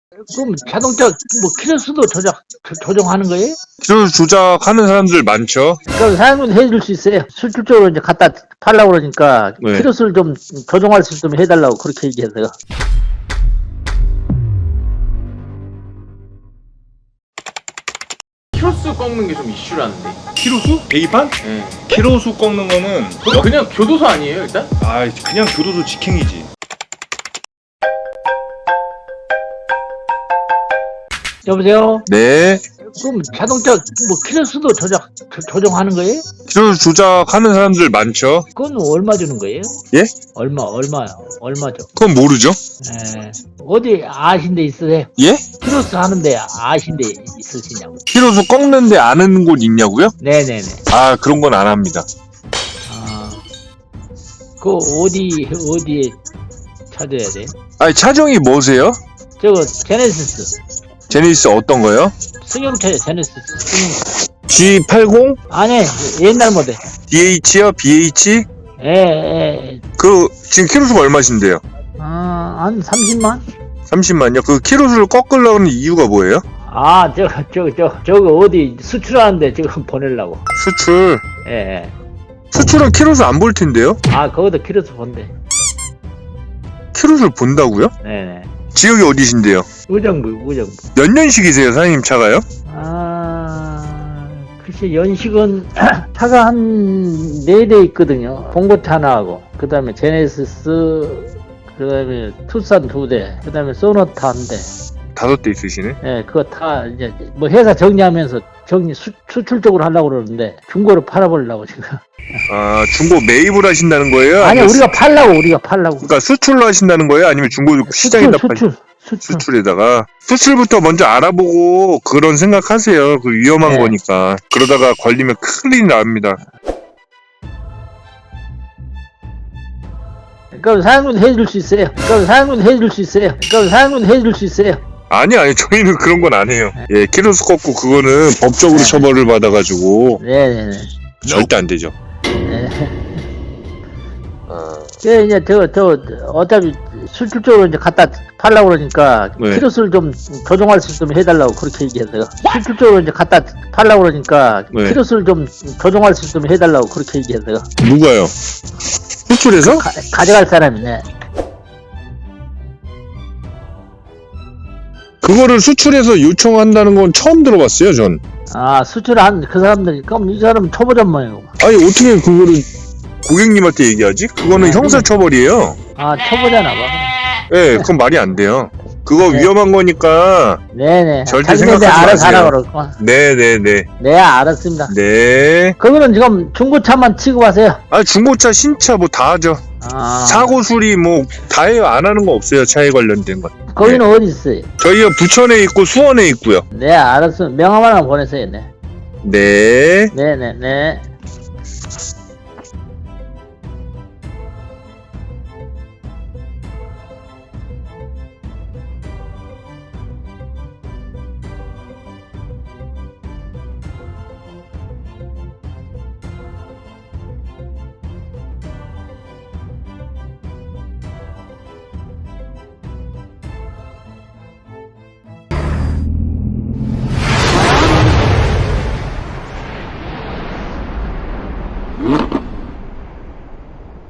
그럼 자동차 뭐 키로수도 조정하는 거예요? 키로 조작하는 사람들 많죠. 그럼 사장님도 해줄 수 있어요. 실질적으로 이제 갖다 팔라고 그러니까 네. 키로수를 좀 조정할 수 있으면 해달라고 그렇게 얘기해서요. 키로수 꺾는 게 좀 이슈라는데. 키로수? 계기판? 네. 키로수 꺾는 거는 그거 그냥 교도소 아니에요 일단? 그냥 교도소 직행이지. 여보세요? 네. 그럼 자동차 뭐 키로수도 조정하는 거예요? 키로 조작하는 사람들 많죠. 그건 얼마 주는 거예요? 예? 얼마죠? 그건 모르죠. 어디 아신 데 있으세요? 예? 키로수 하는데 아신 데 있으시냐고. 키로수 꺾는데 아는 곳 있냐고요? 네네네. 아, 그런 건 안 합니다. 그 어디에 찾아야 돼? 아니, 차종이 뭐세요? 저거 제네시스. 제니스 어떤 거요? 승용차요, 제네시스. 승용차. G80? 아니, 옛날 모델. DH요? BH? 지금 키로수가 얼마신데요? 한 30만? 30만요? 그 키로수를 꺾으려고 하는 이유가 뭐예요? 저거 어디 수출하는데 지금 보내려고. 수출. 예. 수출은 키로수 안 볼 텐데요? 거기도 키로수 본대. 키로수를 본다고요? 네네. 지역이 어디신데요? 의정부. 몇 년식이세요, 사장님 차가요? 글쎄, 연식은 차가 한 4대 있거든요. 봉고차 하나하고, 그 다음에 제네시스, 그 다음에 투싼 2대, 그 다음에 소나타 1대. 5대 있으시네. 예, 그거 다 이제 뭐 회사 정리하면서 수출적으로 하려고 그러는데 중고로 팔아보려고 지금. 아, 중고 매입을 하신다는 거예요? 아니, 아니면 우리가 팔라고. 그러니까 수출로 하신다는 거예요? 아니면 중고 시장에다 수출에다가 수출부터 먼저 알아보고 그런 생각하세요. 그 위험한 네. 거니까. 그러다가 걸리면 큰일 납니다. 그럼 사장님도 해줄 수 있어요. 아니, 저희는 그런 건 안 해요. 예, 키로수 꺾고 그거는 법적으로 처벌을 받아가지고 네네네. 절대 안 되죠. 네. 이제 어차피 수출적으로 이제 갖다 팔라고 그러니까 네. 키로수를 좀 조정할 수 있으면 해달라고 그렇게 얘기해서요. 수출적으로 이제 갖다 팔라고 그러니까 네. 키로수를 좀 조정할 수 있으면 해달라고 그렇게 얘기해서요. 누가요? 수출해서? 가져갈 사람이네. 그거를 수출해서 요청한다는 건 처음 들어봤어요, 전. 수출한 그 사람들이 그럼 이 사람은 초보전망이고. 아니, 어떻게 그거를 고객님한테 얘기하지? 그거는 형사처벌이에요. 초보잖아 봐. 예, 그건 말이 안 돼요. 그거 네. 위험한 거니까 네네. 절대 자기네들 생각하지 알아서 마세요. 하라고 그러고. 네네네. 네, 알았습니다. 네. 그거는 지금 중고차만 취급하세요. 중고차, 신차 뭐 다 하죠. 사고 수리 뭐 다 해요. 안 하는 거 없어요. 차에 관련된 건. 거기는 어디 있어요? 저희가 부천에 있고 수원에 있고요. 네, 알았어. 명함 하나 보내세요. 네. 네. 네네네.